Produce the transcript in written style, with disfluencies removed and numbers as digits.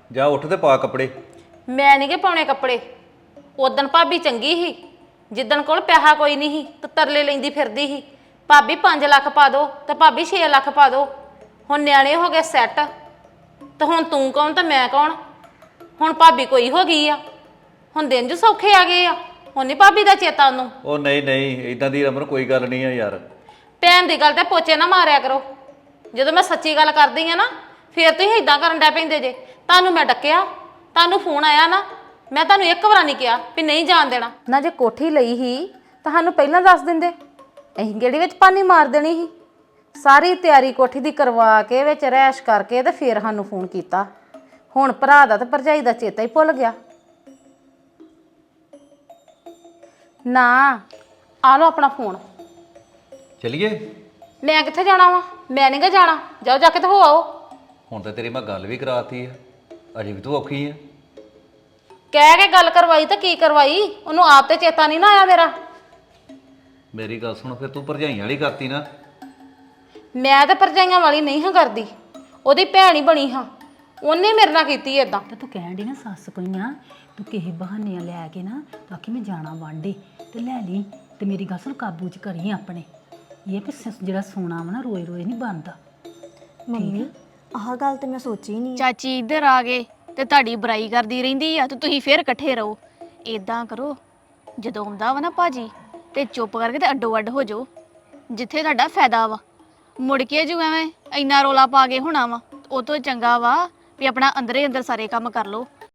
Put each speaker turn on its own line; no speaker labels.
ਜਾ ਉੱਠ ਤੇ ਪਾ ਕੱਪੜੇ।
ਮੈਂ ਨਹੀਂ ਗੇ ਪਾਉਣੇ ਕੱਪੜੇ। ਉਦਣ ਭਾਬੀ ਚੰਗੀ ਸੀ, ਜਿੱਦਣ ਕੋਲ ਪੈਸਾ ਕੋਈ ਨਹੀਂ ਸੀ ਤੇ ਤਰਲੇ ਲੈਂਦੀ ਫਿਰਦੀ ਸੀ, ਭਾਬੀ 5 ਲੱਖ ਪਾ ਦੋ ਤੇ ਭਾਬੀ 6 ਲੱਖ ਪਾ ਦੋ। ਹੁਣ ਨਿਆਣੇ ਹੋ ਗਏ ਸੈੱਟ, ਤੇ ਹੁਣ ਤੂੰ ਕੌਣ ਤੇ ਮੈਂ ਕੌਣ? ਹੁਣ ਭਾਬੀ ਕੋਈ ਹੋ ਗਈ ਆ, ਹੁਣ ਦਿਨ ਜੋ ਸੌਖੇ ਆ ਗਏ ਆ, ਹੁਣ ਨਹੀਂ ਭਾਬੀ ਦਾ ਚੇਤਾ ਉਹਨੂੰ।
ਉਹ ਨਹੀਂ ਨਹੀਂ, ਇਦਾਂ ਦੀ ਰਮਨ ਕੋਈ ਗੱਲ ਨਹੀਂ ਆ ਯਾਰ।
ਭੈਣ ਦੀ ਗੱਲ ਤੇ ਪੋਚੇ ਨਾ ਮਾਰਿਆ ਕਰੋ। ਜਦੋਂ ਮੈਂ ਸੱਚੀ ਗੱਲ ਕਰਦੀ ਆ ਨਾ, ਫੇਰ ਤੁਸੀਂ ਇਦਾਂ ਕਰਨ ਡੈ ਪੈਂਦੇ ਜੇ। ਤੁਹਾਨੂੰ ਮੈਂ ਡੱਕਿਆ, ਤੁਹਾਨੂੰ ਫੋਨ ਆਇਆ ਨਾ, ਮੈਂ ਤੁਹਾਨੂੰ ਇੱਕ ਵਾਰ ਨਹੀਂ ਕਿਹਾ ਵੀ ਨਹੀਂ ਜਾਣ ਦੇਣਾ ਨਾ। ਜੇ ਕੋਠੀ ਲਈ ਹੀ ਤੁਹਾਨੂੰ ਪਹਿਲਾਂ ਦੱਸ ਦਿੰਦੇ, ਅਸੀਂ ਗੇੜੀ ਵਿੱਚ ਪਾਣੀ ਮਾਰ ਦੇਣੀ ਸੀ। ਸਾਰੀ ਤਿਆਰੀ ਕੋਠੀ ਦੀ ਕਰਵਾ ਕੇ ਵਿੱਚ ਰਹਿਸ਼ ਕਰਕੇ ਤੇ ਫੇਰ ਸਾਨੂੰ ਫੋਨ ਕੀਤਾ। ਹੁਣ ਭਰਾ ਦਾ ਤੇ ਭਰਜਾਈ ਦਾ ਚੇਤਾ ਹੀ ਭੁੱਲ ਗਿਆ ਨਾ। ਆ ਲਓ ਆਪਣਾ ਫੋਨ।
ਚਲੀਏ?
ਮੈਂ ਕਿੱਥੇ ਜਾਣਾ ਵਾ? ਮੈਂ ਨਹੀਂ ਗਾ ਜਾਣਾ। ਜਾਓ ਜਾ ਕੇ ਤੇ ਹੋ ਆਓ।
ਹੁਣ ਤਾਂ ਤੇਰੀ ਮੈਂ ਗੱਲ ਵੀ ਕਰਾਤੀ ਆ, ਅਜੇ ਵੀ ਤੂੰ ਔਖੀ ਆ।
ਕਹਿ ਕੇ ਗੱਲ ਕਰਵਾਈ ਤਾਂ ਕੀ ਕਰਵਾਈ? ਉਹਨੂੰ ਆਪ ਤੇ ਚੇਤਾ ਨਹੀਂ ਨਾ ਆਇਆ ਮੇਰਾ।
ਮੇਰੀ ਗੱਲ ਸੁਣ, ਫਿਰ ਤੂੰ ਭਰਜਾਈਆਂ ਵਾਲੀ ਕਰਤੀ ਨਾ।
ਮੈਂ ਤਾਂ ਭਰਜਾਈਆਂ ਵਾਲੀ ਨਹੀਂ ਹਾਂ ਕਰਦੀ, ਉਹਦੀ ਭੈਣ ਹੀ ਬਣੀ ਹਾਂ। ਉਹਨੇ ਮੇਰੇ ਨਾਲ ਕੀਤੀ ਏਦਾਂ।
ਤਾਂ ਤੂੰ ਕਹਿਣ ਦੀ ਨਾ ਸੱਸ ਕੋਈਆਂ, ਤੂੰ ਕਿਸੇ ਬਹਾਨੇ ਲੈ ਕੇ ਨਾ ਤਾਂ ਕਿ ਮੈਂ ਜਾਣਾ ਵਾਂਡੇ ਤੇ ਲੈ ਲਈ। ਤੇ ਮੇਰੀ ਗੱਲ ਸੁਣ, ਕਾਬੂ 'ਚ ਕਰੀ ਆਪਣੇ। ਇਹ ਵੀ ਜਿਹੜਾ ਸੋਨਾ ਵਾ ਨਾ ਰੋਜ਼ ਰੋਜ਼ ਨਹੀਂ ਬਣਦਾ।
ਮੰਮੀ ਆਹ ਗੱਲ ਤੇ ਮੈਂ ਸੋਚੀ ਨਹੀਂ।
ਚਾਚੀ ਇੱਧਰ ਆ ਗਏ ਤੇ ਤੁਹਾਡੀ ਬੁਰਾਈ ਕਰਦੀ ਰਹਿੰਦੀ ਆ ਤੇ ਤੁਸੀਂ ਫੇਰ ਇਕੱਠੇ ਰਹੋ। ਇਦਾਂ ਕਰੋ, ਜਦੋਂ ਆਉਂਦਾ ਵਾ ਨਾ ਭਾਜੀ ਤੇ ਚੁੱਪ ਕਰਕੇ ਤੇ ਅੱਡੋ ਅੱਡ ਹੋ ਜਾਓ, ਜਿੱਥੇ ਤੁਹਾਡਾ ਫਾਇਦਾ ਵਾ। ਮੁੜ ਕੇ ਜੂ ਐਵੇਂ ਇੰਨਾ ਰੋਲਾ ਪਾ ਕੇ ਹੋਣਾ ਵਾ, ਉਹ ਤੋਂ ਚੰਗਾ ਵਾ ਵੀ ਆਪਣਾ ਅੰਦਰੇ ਅੰਦਰ ਸਾਰੇ ਕੰਮ ਕਰ ਲਓ।